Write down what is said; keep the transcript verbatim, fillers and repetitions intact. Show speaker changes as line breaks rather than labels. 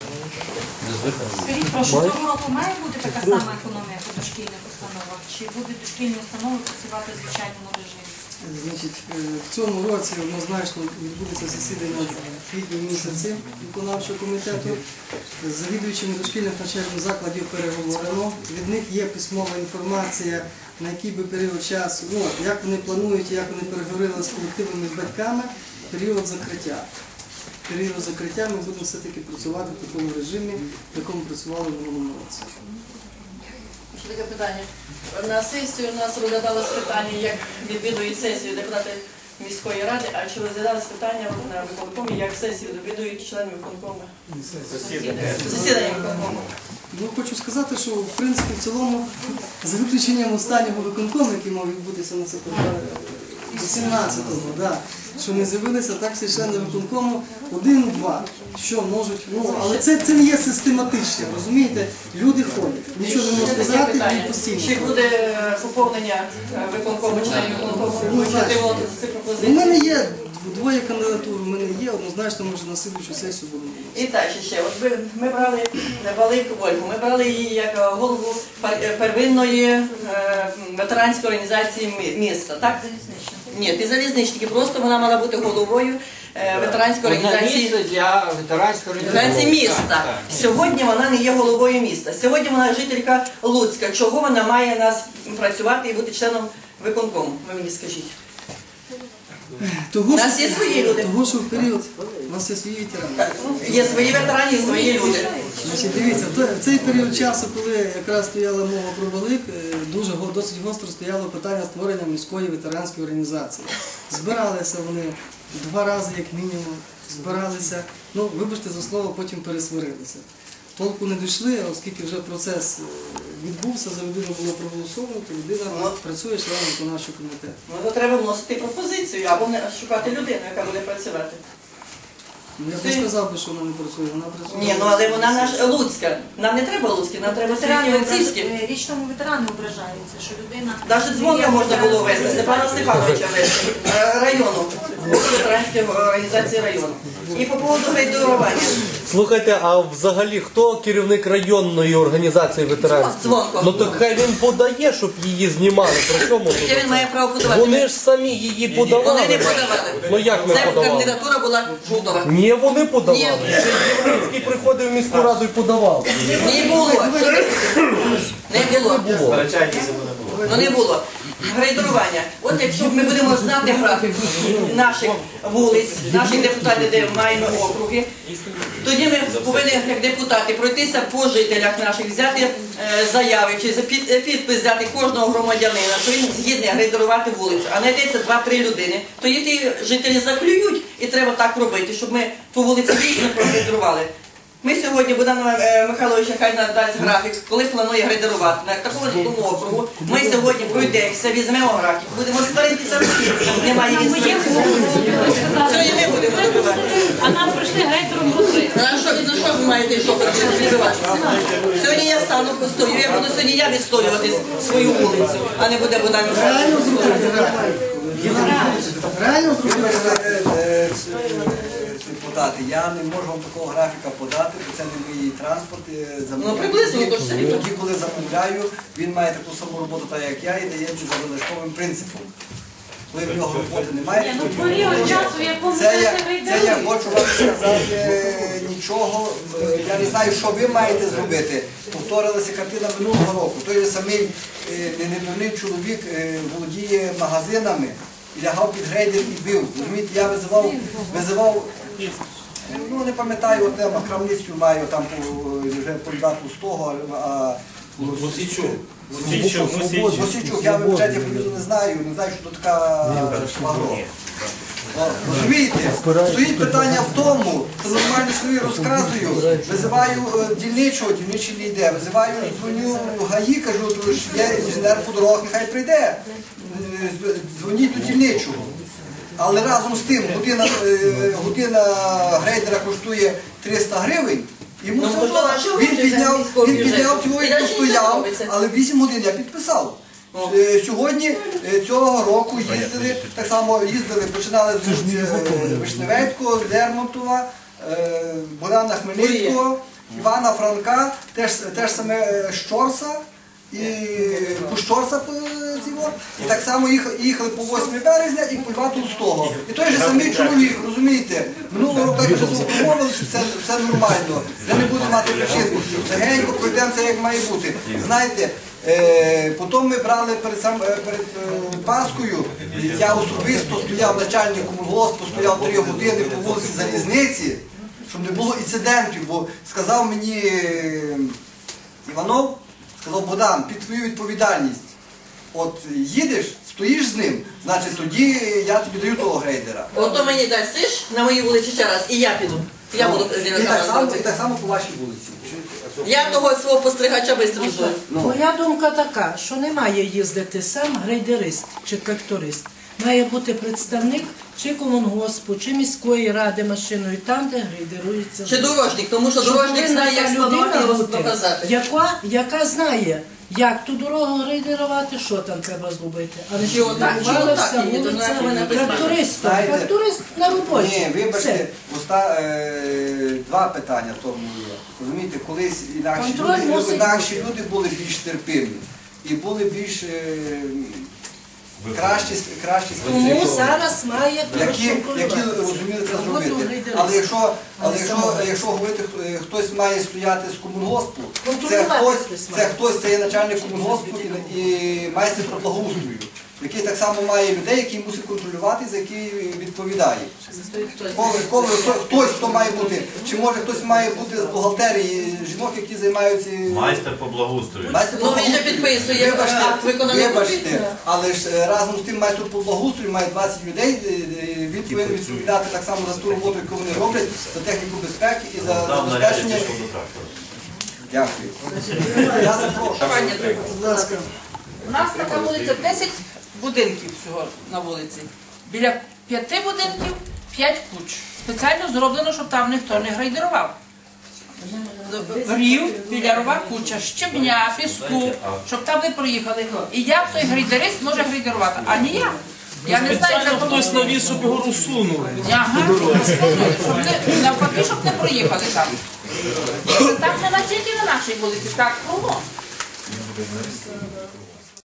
Скажіть, прошу, цього року має бути така сама економія по дошкільних установах? Чи будуть дошкільні установи працювати в звичайному режимі?
Значить, в цьому році однозначно відбудеться засідання в квітні місяці виконавчого комітету. З завідувачами дошкільних навчальних закладів переговорено. Від них є письмова інформація, на який би період часу, ну, як вони планують, як вони переговорили з колективами, з батьками, період закриття. Період закриття ми будемо все-таки працювати в такому режимі, в якому працювали в минулому році.
Ще таке питання. На сесію у нас розглядалось питання, як відвідують сесію депутати міської ради, а чи розглядалось питання на виконкомі, як сесію відвідують члени виконкому? Засідання виконкому.
Ну, хочу сказати, що в принципі в цілому, за виключенням останнього виконкому, який мав відбутися на вісімнадцятого, да, що не з'явилися, так всі члени виконкому один-два, що можуть, ну, але це, це не є систематично, розумієте, люди ходять, нічого не можна сказати, і постійно.
Чи буде поповнення виконкому, членів виконкому?
Ну,
У
у мене є двоє кандидатур, у мене є, однозначно, може на слідчу сесію будемо.
І так, ще, от ми, ми брали Балик Ольгу, ми брали її як голову первинної е, ветеранської організації міста, так? Ні, ти залізничники, просто вона мала бути головою е, ветеранської організації
для ветеранської
організації міста. Сьогодні вона не є головою міста, сьогодні вона жителька Луцька. Чого вона має нас працювати і бути членом виконкому? Ви мені скажіть.
Того,
у нас є свої люди.
Того, що в період у нас є свої ветерани.
Є свої ветерані і свої люди.
Значить, дивіться, в цей період часу, коли якраз стояла мова про Балик, дуже досить гостро стояло питання створення міської ветеранської організації. Збиралися вони два рази, як мінімум, збиралися, ну, вибачте за слово, потім пересварилися. Толку не дійшли, оскільки вже процес відбувся, за людину було проголосовано, то людина ну, працює членом виконавчого комітету.
Ну, то треба вносити пропозицію, або шукати людину, яка буде працювати.
Ну, я б не сказав би, що вона не працює, вона працює.
Ні, ну але вона наша Луцька. Нам не треба Луцькі, нам треба Світлівцівські.
Річному ветерану ображаються, що людина...
Навіть дзвонка можна було вести, Степана Степановича вести, району, ветеранської організації району. І по поводу грейдерування.
Слухайте, а взагалі хто керівник районної організації ветеранів?
Дзвонко.
Ну так хай він подає, щоб її знімали. Про чому тут?
Яке він має право подавати?
Вони ж самі її подавали.
Вони не подавали.
Ну як не
Це
подавали?
кандидатура була Жутова.
Ні, вони подавали.
Ні.
Ще Єврейський приходив в міську раду і подавав.
Не було. Не було. Ну не було. Грейдерування. От якщо ми будемо знати графік наших вулиць, наших депутатів, де маємо округи, тоді ми повинні, як депутати, пройтися по жителях наших, взяти е, заяви чи під, підпис взяти кожного громадянина, що він згідний грейдерувати вулицю, а знайдеться два-три людини, то і ті жителі заклюють, і треба так робити, щоб ми ту вулицю дійсно прогрейдерували. Ми сьогодні, Богдан Михайлович, хай надасть графік, коли планує грейдерувати на такому такому округу. Ми сьогодні пройдемося, візьмемо графік, будемо сваритися всі, немає він своїх. Сьогодні ми будемо добивати.
А нам прийшли грейдером росли.
Ну що ви маєте, що добивати? Сьогодні я стану постою, я буду сьогодні я відстоювати свою вулицю, а не буде Богдан Михайлович.
Реально зробили?
Депутати, я не можу вам такого графіка подати, бо це не мій транспорт.
Ну, приблизно, то ж це.
Тоді, коли замовляю, він має таку саму роботу, так як я, і дає за залишковим принципом. Коли в нього роботи немає,
Ну, період часу, в якому
це я,
це
це я хочу вам сказати нічого. Я не знаю, що ви маєте зробити. Повторилася картина минулого року. Той же самий недурний чоловік володіє магазинами, і лягав під грейдер і бив. Розумієте, я визивав, визивав, ну не пам'ятаю, от там крамницю маю, там вже полюдату з того, а...
Мосійчук.
Мосійчук, я в бюджеті фамілію не знаю, не знаю, що тут така шмагро. Розумієте, стоїть питання в тому, що нормально свої розказую, визиваю дільничого, дільничий не йде, визиваю, дзвоню ГАІ, кажу, то ж є інженер по дорогах, нехай прийде, дзвоніть до дільничого. Але разом з тим, година, година грейдера коштує триста гривень, йому все одно, він підняв, він підняв цього і постояв, але вісім годин я підписав. Сьогодні цього року їздили, так само їздили, починали з Вишневецького, Лермонтова, Богдана Хмельницького, Івана Франка, теж, теж саме е, Щорса і Пущорса е, цього. І так само їхали, їхали по восьме березня і по два Толстого. І той же самий чоловік, розумієте, минулого року як вже домовилися, що це все нормально, де не буде мати причин. Легенько пройдемо це як має бути. Знаєте, Е, потім ми брали перед, сам, е, перед е, Паскою, я особисто стояв начальником колгоспу, стояв три години по вулиці Залізниці, щоб не було інцидентів, бо сказав мені е, Іванов, сказав Богдан, під твою відповідальність, от їдеш, стоїш з ним, значить тоді я тобі даю того грейдера.
Ото мені дасиш на моїй вулиці ще раз, і я піду. Я буду
І так само, і так само по вашій вулиці.
Я того свого постригача швидко жду.
Моя думка така, що не має їздити сам грейдерист чи тракторист. Має бути представник чи комунгоспу, чи міської ради машиною, там, де грейдерується.
Чи дорожник, тому що
Щоб
дорожник
повинна
знає, як
та
складувати і
людина бути,
розказати.
яка, яка знає, як ту дорогу грейдерувати, що там треба зробити. А не
Чи
щоб
отак, чи
будувала
отак,
вся
і не
вулиця
знаю, мене призначить.
трактористом.
Знаєте,
Тракторист на роботі.
Ні, вибачте,
Все.
оста, е, два питання в тому є. Розумієте, колись інакші
Контроль
люди,
мусить
інакші люди були більш терпимі і були більш е, кращі, кращі
Тому
спеціалісти,
зараз має
які, які
контролювати.
розуміли це
Роботу
зробити.
грейдериста.
Але якщо, але
Але
якщо,
самого.
якщо говорити, хто- хтось має стояти з комунгоспу, це
Контролювати
хтось,
хтось
це
має.
хтось, це є начальник комунгоспу і, і майстер про благоустрою, який так само має людей, які мусить контролювати, за які відповідає. Коли, коли, хто- хтось, хто має бути, чи може хтось має бути з бухгалтерії жінок, які займаються
Майстер по благоустрою.
майстер
Ну,
по
він же
благоустрою.
підписує
Вибачте,
акт виконаних
вибачте, але ж е, разом з тим майстер по благоустрою має двадцять людей, е, е, він повинен відповідати так само за ту роботу, яку вони роблять, за техніку безпеки і за
Дав наряд,
забезпечення.
пішов до трактора.
Дякую. Я запрошую.
Будь ласка.
У нас така вулиця десять будинків всього на вулиці. Біля п'яти будинків п'ять куч. Спеціально зроблено, щоб там ніхто не грейдерував. Рів, біля рова куча, щебня, піску, щоб там не проїхали. І як той грейдерист може грейдерувати? А ніяк. Я не знаю, це хтось навіз, щоб його розсунули. Ага, щоб не, навпаки, щоб не проїхали там. Так не на тільки на нашій вулиці, так кругом.